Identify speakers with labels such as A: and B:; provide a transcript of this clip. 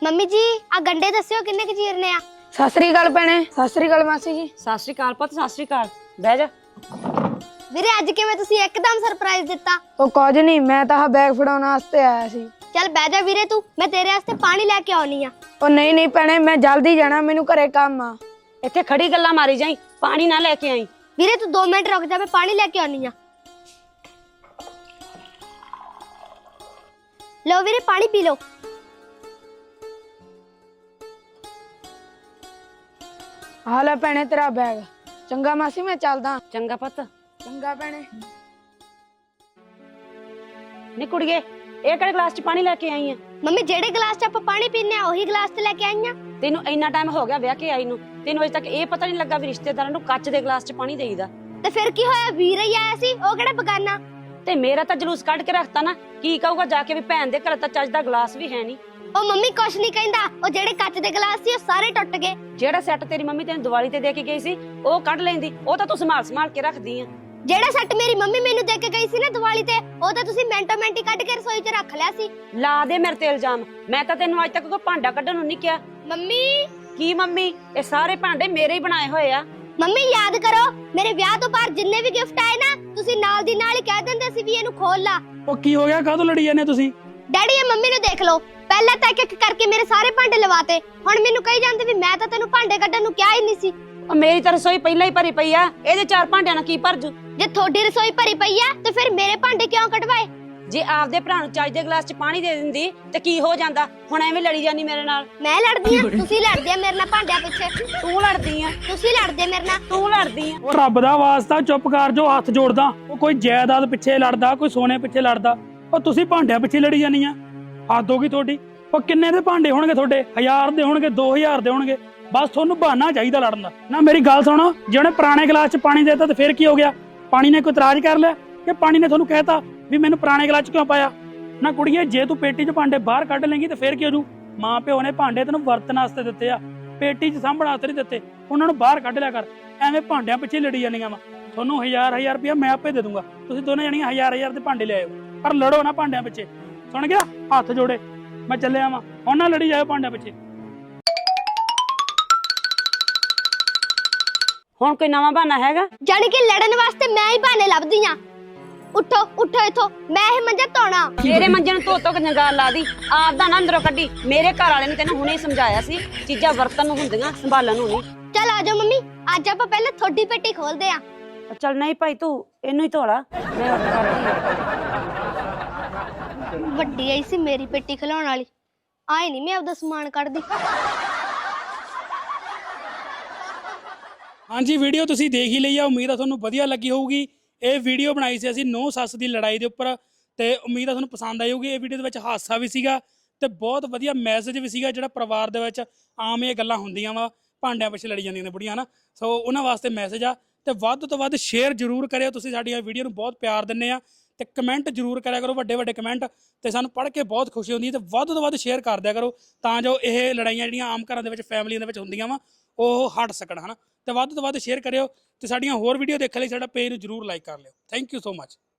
A: Mummy ਜੀ ਆ ਗੰਡੇ ਦੱਸਿਓ ਕਿੰਨੇ ਕੁ ਚੀਰਨੇ ਆ।
B: ਸਤਿ ਸ੍ਰੀ ਅਕਾਲ ਭੈਣੇ। ਸਤਿ ਸ੍ਰੀ ਅਕਾਲ ਮਾਸੀ ਜੀ।
C: ਸਤਿ ਸ਼੍ਰੀ ਅਕਾਲ ਪੁੱਤ, ਸਤਿ ਸ਼੍ਰੀ ਅਕਾਲ। ਬਹਿ ਜਾ।
A: ਵੀਰੇ ਅੱਜ ਕਿਵੇਂ ਤੁਸੀਂ ਇੱਕਦਮ ਸਰਪ੍ਰਾਈਜ਼ ਦਿੱਤਾ?
B: ਉਹ ਕੁਝ ਨਹੀਂ, ਮੈਂ ਤਾਂ ਬੈਗ ਫੜਾਉਣ ਵਾਸਤੇ ਆਇਆ ਸੀ।
A: ਚੱਲ ਬਹਿ ਜਾ ਵੀਰੇ ਤੂੰ, ਮੈਂ ਤੇਰੇ ਵਾਸਤੇ ਪਾਣੀ ਲੈ ਕੇ ਆਉਣੀ ਆ।
B: ਉਹ ਨਹੀਂ ਭੈਣੇ, ਮੈਂ ਜਲਦੀ ਜਾਣਾ, ਮੈਨੂੰ ਘਰੇ ਕੰਮ ਆ।
C: ਇੱਥੇ ਖੜੀ ਗੱਲਾਂ ਮਾਰੀ ਜਾਈ, ਪਾਣੀ ਨਾ ਲੈ ਕੇ ਆਈ।
A: ਵੀਰੇ ਤੂੰ 2 ਮਿੰਟ ਰੁਕ ਜਾ, ਮੈਂ ਪਾਣੀ ਲੈ ਕੇ ਆਉਣੀ ਆ। ਲਓ ਵੀਰੇ ਪਾਣੀ ਪੀ ਲਓ।
B: ਆ ਲੈ ਭੈਣੇ ਤੇਰਾ ਬੈਗ। ਚੰਗਾ ਮਾਸੀ, ਮੈਂ ਚੱਲਦਾ।
C: ਚੰਗਾ ਪੁੱਤ।
B: ਚੰਗਾ ਭੈਣੇ।
C: ਨੀ ਕੁੜੀਏ, ਇਹ ਕਿਹੜੇ ਗਲਾਸ 'ਚ ਪਾਣੀ ਲੈ ਕੇ ਆਈ ਆ?
A: ਮੰਮੀ ਜਿਹੜੇ ਗਲਾਸ 'ਚ ਆਪਾਂ ਪਾਣੀ ਪੀਨੇ ਆ ਉਹੀ ਗਲਾਸ ਤੇ ਲੈ ਕੇ ਆਈ ਆ।
C: ਤੈਨੂੰ ਇੰਨਾ ਟਾਈਮ ਹੋ ਗਿਆ ਵਿਆਹ ਕੇ ਆਈ ਨੂੰ, ਤੈਨੂੰ ਅਜੇ ਤੱਕ ਇਹ ਪਤਾ ਨਹੀਂ ਲੱਗਾ ਵੀ ਰਿਸ਼ਤੇਦਾਰਾਂ ਨੂੰ ਕੱਚ ਦੇ ਗਲਾਸ 'ਚ ਪਾਣੀ ਦੇਈਦਾ।
A: ਤੇ ਫਿਰ ਕੀ ਹੋਇਆ, ਵੀਰ ਹੀ ਆਇਆ ਸੀ, ਉਹ ਕਿਹੜਾ ਬਗਾਨਾ।
C: ਤੇ ਮੇਰਾ ਤਾਂ ਜਲੂਸ ਕੱਢ ਕੇ ਰੱਖਤਾ ਨਾ, ਕੀ ਕਹੂਗਾ ਜਾ ਕੇ ਵੀ ਭੈਣ ਦੇ ਘਰ ਤਾਂ ਚੱਜ ਦਾ ਗਲਾਸ ਵੀ ਹੈ ਨਹੀਂ।
A: ਉਹ ਮੰਮੀ ਕੁਛ ਨਹੀਂ ਕਹਿੰਦਾ, ਉਹ ਜਿਹੜੇ ਕੱਚ ਦੇ ਗਲਾਸ ਸੀ ਉਹ ਸਾਰੇ ਟੁੱਟ ਗਏ।
C: ਜਿਹੜਾ ਸੈੱਟ ਤੇਰੀ ਮੰਮੀ ਤੈਨੂੰ ਦੀਵਾਲੀ ਤੇ ਦੇ ਕੇ ਗਈ ਸੀ ਉਹ ਕੱਢ ਲੈਂਦੀ, ਉਹ ਤਾਂ ਤੂੰ ਸੰਭਾਲ ਕੇ ਰੱਖਦੀ ਆ।
A: ਜਿਹੜਾ ਸੈੱਟ ਮੇਰੀ ਮੰਮੀ ਮੈਨੂੰ ਦੇ ਕੇ ਗਈ ਸੀ ਨਾ ਦੀਵਾਲੀ ਤੇ, ਉਹ ਤਾਂ ਤੁਸੀਂ ਮਿੰਟੋ ਮਿੰਟ ਹੀ ਕੱਢ ਕੇ ਰਸੋਈ 'ਚ ਰੱਖ ਲਿਆ ਸੀ।
C: ਲਾ ਦੇ ਮੇਰੇ ਤੇ ਇਲਜ਼ਾਮ, ਮੈਂ ਤਾਂ ਤੈਨੂੰ ਅੱਜ ਤੱਕ ਕੋਈ ਭਾਂਡਾ ਕੱਢਣ ਨੂੰ ਨਹੀਂ ਕਿਹਾ।
A: ਮੰਮੀ
C: ਕੀ ਮੰਮੀ, ਇਹ ਸਾਰੇ ਭਾਂਡੇ ਮੇਰੇ ਹੀ ਬਣਾਏ ਹੋਏ ਆ।
A: ਮੰਮੀ ਯਾਦ ਕਰੋ, ਮੇਰੇ ਵਿਆਹ ਤੋਂ ਬਾਅਦ ਜਿੰਨੇ ਵੀ ਗਿਫਟ ਆਏ ਨਾ, ਤੁਸੀਂ ਨਾਲ ਦੀ ਨਾਲ ਹੀ ਕਹਿ ਦਿੰਦੇ ਸੀ ਵੀ ਇਹਨੂੰ ਖੋਲ ਲਾ।
D: ਉਹ ਕੀ ਹੋ ਗਿਆ, ਕਾਹਤੋਂ ਲੜੀ ਜਾਂਦੇ ਤੁਸੀਂ?
A: ਡੈਡੀ ਇਹ ਮੰਮੀ ਨੂੰ ਦੇਖ ਲਓ, ਪਹਿਲਾਂ ਤਾਂ ਇੱਕ ਕਰਕੇ ਮੇਰੇ ਸਾਰੇ ਭਾਂਡੇ ਲਵਾਤੇ, ਹੁਣ ਮੈਨੂੰ ਕਹੀ ਜਾਂਦੇ ਵੀ ਮੈਂ ਤਾਂ ਤੈਨੂੰ ਭਾਂਡੇ ਕੱਢਣ ਨੂੰ ਕਿਹਾ ਹੀ ਨਹੀਂ ਸੀ।
C: ਉਹ ਮੇਰੀ ਤਾਂ ਰਸੋਈ ਪਹਿਲਾਂ ਹੀ ਭਰੀ ਪਈ ਆ, ਇਹਦੇ 4 ਭਾਂਡਿਆਂ ਨਾਲ ਕੀ ਭਰ ਜੂ?
A: ਜੇ ਤੁਹਾਡੀ ਰਸੋਈ ਭਰੀ ਪਈ ਆ ਤੇ ਫਿਰ ਮੇਰੇ ਭਾਂਡੇ ਕਿਉਂ ਕਢਵਾਏ?
C: ਜੇ ਆਪਦੇ ਭਰਾ ਨੂੰ ਚੱਜ ਦੇ ਗਲਾਸ 'ਚ ਪਾਣੀ ਦੇ ਦਿੰਦੀ ਤੇ ਕੀ ਹੋ ਜਾਂਦਾ? ਹੁਣ ਐਵੇਂ ਲੜੀ ਜਾਨੀ ਮੇਰੇ ਨਾਲ।
A: ਮੈਂ ਲੜਦੀ ਆ, ਤੁਸੀਂ ਲੜਦੇ ਆ ਮੇਰੇ ਨਾਲ ਭਾਂਡਿਆਂ ਪਿੱਛੇ।
C: ਤੂੰ ਲੜਦੀ ਆ,
A: ਤੁਸੀਂ ਲੜਦੇ ਮੇਰੇ ਨਾਲ।
C: ਤੂੰ ਲੜਦੀ ਆ।
D: ਉਹ ਰੱਬ ਦਾ ਵਾਸਤਾ ਚੁੱਪ ਕਰ ਜੋ, ਹੱਥ ਜੋੜਦਾ। ਉਹ ਕੋਈ ਜਾਇਦਾਦ ਪਿੱਛੇ ਲੜਦਾ, ਕੋਈ ਸੋਨੇ ਪਿੱਛੇ ਲੜਦਾ, ਉਹ ਤੁਸੀਂ ਭਾਂਡਿਆਂ ਪਿੱਛੇ ਲੜੀ ਜਾਂਦੀਆਂ। ਹੱਦ ਹੋ ਗਈ ਤੁਹਾਡੀ। ਉਹ ਕਿੰਨੇ ਦੇ ਭਾਂਡੇ ਹੋਣਗੇ ਤੁਹਾਡੇ? 1000 ਦੇ ਹੋਣਗੇ, 2000 ਦੇ ਹੋਣਗੇ, ਬਸ ਤੁਹਾਨੂੰ ਬਹਾਨਾ ਚਾਹੀਦਾ ਲੜਨ ਦਾ। ਨਾ ਮੇਰੀ ਗੱਲ ਸੁਣੋ, ਜੇ ਉਹਨੇ ਪੁਰਾਣੇ ਗਲਾਸ 'ਚ ਪਾਣੀ ਦੇਤਾ ਤੇ ਫਿਰ ਕੀ ਹੋ ਗਿਆ? ਪਾਣੀ ਨੇ ਕੋਈ ਇਤਰਾਜ਼ ਕਰ ਲਿਆ ਕਿ ਪਾਣੀ ਨੇ ਤੁਹਾਨੂੰ ਕਹਿਤਾ ਵੀ ਮੈਨੂੰ ਪੁਰਾਣੇ ਗਲਾਸ 'ਚ ਕਿਉਂ ਪਾਇਆ? ਨਾ ਕੁੜੀਏ, ਜੇ ਤੂੰ ਪੇਟੀ 'ਚ ਭਾਂਡੇ ਬਾਹਰ ਕੱਢ ਲੇਂਗੀ ਤੇ ਫਿਰ ਕੀ ਹੋ ਜੂ? ਮਾਂ ਪਿਓ ਨੇ ਭਾਂਡੇ ਤੈਨੂੰ ਵਰਤਣ ਵਾਸਤੇ ਦਿੱਤੇ ਆ, ਪੇਟੀ 'ਚ ਸਾਂਭਣ ਵਾਸਤੇ ਨਹੀਂ ਦਿੱਤੇ। ਉਹਨਾਂ ਨੂੰ ਬਾਹਰ ਕੱਢ ਲਿਆ ਕਰ। ਐਵੇਂ ਭਾਂਡਿਆਂ ਪਿੱਛੇ ਲੜੀ ਜਾਂਦੀਆਂ ਵਾ। ਤੁਹਾਨੂੰ 1000 ਰੁਪਇਆ ਮੈਂ ਆਪੇ ਦੇ ਦੂੰਗਾ, ਤੁਸੀਂ ਦੋਨੇ ਜਣੀਆਂ 1000 ਦੇ ਭਾਂਡੇ ਲਿਆਇਓ, ਪਰ ਲੜੋ ਨਾ ਭਾਂਡਿਆਂ ਪਿੱਛੇ। ਸੁਣ ਗਿਆ? ਹੱਥ ਜੋੜੇ, ਮੈਂ ਚੱਲਿਆ ਵਾਂ। ਹੁਣ ਨਾ ਲੜੀ ਜਾਇਓ ਭਾਂਡਿਆਂ ਪਿੱਛੇ।
C: ਹੁਣ ਕੋਈ ਨਵਾਂ ਬਹਾਨਾ ਹੈਗਾ?
A: ਜਾਣੀ ਕਿ ਲੜਨ ਵਾਸਤੇ ਮੈਂ ਹੀ ਬਹਾਨੇ ਲੱਭਦੀ ਆ। ਉੱਠੋ ਉੱਠੋ ਇੱਥੋਂ, ਮੈਂ ਇਹ ਮੰਜਾ ਧੋਣਾ।
C: ਮੇਰੇ ਮੰਜੇ ਨੂੰ ਧੋ ਕੇ ਜੰਗਾਲ ਲਾ ਦੀ, ਆਪਦਾ ਨਾ ਅੰਦਰੋਂ ਕੱਢੀ। ਮੇਰੇ ਘਰ ਵਾਲੇ ਨੇ ਤੈਨੂੰ ਹੁਣੇ ਹੀ ਸਮਝਾਇਆ ਸੀ, ਚੀਜ਼ਾਂ ਵਰਤਨ ਨੂੰ ਹੁੰਦੀਆਂ, ਸੰਭਾਲਣ ਨੂੰ ਨਹੀਂ।
A: ਚੱਲ ਆ ਜਾਓ ਮੰਮੀ, ਅੱਜ ਆਪਾਂ ਪਹਿਲਾਂ ਤੁਹਾਡੀ ਪੇਟੀ ਖੋਲਦੇ ਆ।
C: ਚੱਲ ਨਹੀਂ ਭਾਈ, ਤੂੰ ਇਹਨੂੰ ਹੀ ਧੋਲਾ, ਮੈਂ ਉੱਠ ਕਰਦੀ ਆ।
A: ਵੱਡੀ ਆਈ ਸੀ ਮੇਰੀ ਪੇਟੀ ਖਿਲਾਉਣ ਵਾਲੀ, ਆਏ ਨਹੀਂ ਮੈਂ ਆਪਦਾ ਸਮਾਨ ਕੱਢਦੀ।
D: ਹਾਂਜੀ, ਵੀਡੀਓ ਤੁਸੀਂ ਦੇਖ ਹੀ ਲਈ ਆ, ਉਮੀਦ ਆ ਤੁਹਾਨੂੰ ਵਧੀਆ ਲੱਗੀ ਹੋਊਗੀ। ਇਹ ਵੀਡੀਓ ਬਣਾਈ ਸੀ ਅਸੀਂ ਨੂੰਹ ਸੱਸ ਦੀ ਲੜਾਈ ਦੇ ਉੱਪਰ, ਤੇ ਉਮੀਦ ਆ ਤੁਹਾਨੂੰ ਪਸੰਦ ਆਈ ਹੋਊਗੀ। ਇਹ ਵੀਡੀਓ ਦੇ ਵਿੱਚ ਹਾਸਾ ਵੀ ਸੀਗਾ ਤੇ ਬਹੁਤ ਵਧੀਆ ਮੈਸੇਜ ਵੀ ਸੀਗਾ, ਜਿਹੜਾ ਪਰਿਵਾਰ ਦੇ ਵਿੱਚ ਆਮ ਇਹ ਗੱਲਾਂ ਹੁੰਦੀਆਂ ਵਾ, ਭਾਂਡਿਆਂ ਪਿੱਛੇ ਲੜੀ ਜਾਂਦੀਆਂ ਨੇ ਬੁੜੀਆਂ ਨਾ, ਸੋ ਉਹਨਾਂ ਵਾਸਤੇ ਮੈਸੇਜ ਆ। ਤੇ ਵੱਧ ਤੋਂ ਵੱਧ ਸ਼ੇਅਰ ਜ਼ਰੂਰ ਕਰਿਓ, ਤੁਸੀਂ ਸਾਡੀਆਂ ਵੀਡੀਓ ਨੂੰ ਬਹੁਤ ਪਿਆਰ ਦਿੰਦੇ ਆ, ਤੇ ਕਮੈਂਟ ਜ਼ਰੂਰ ਕਰਿਆ ਕਰੋ, ਵੱਡੇ ਵੱਡੇ ਕਮੈਂਟ, ਤੇ ਸਾਨੂੰ ਪੜ੍ਹ ਕੇ ਬਹੁਤ ਖੁਸ਼ੀ ਹੁੰਦੀ ਹੈ। ਤੇ ਵੱਧ ਤੋਂ ਵੱਧ ਸ਼ੇਅਰ ਕਰ ਦਿਆ ਕਰੋ, ਤਾਂ ਜੋ ਇਹ ਲੜਾਈਆਂ ਜਿਹੜੀਆਂ ਆਮ ਘਰਾਂ ਦੇ ਵਿੱਚ ਫੈਮਲੀਆਂ ਦੇ ਵਿੱਚ ਹੁੰਦੀਆਂ ਵਾ ਉਹ ਹਟ ਸਕਣ, ਹਨਾ। ਤੇ ਵੱਧ ਤੋਂ ਵੱਧ ਸ਼ੇਅਰ ਕਰਿਓ, ਤੇ ਸਾਡੀਆਂ ਹੋਰ ਵੀਡੀਓ ਦੇਖਣ ਲਈ ਸਾਡਾ ਪੇਜ ਨੂੰ ਜ਼ਰੂਰ ਲਾਈਕ ਕਰ ਲਿਓ। Thank you so much.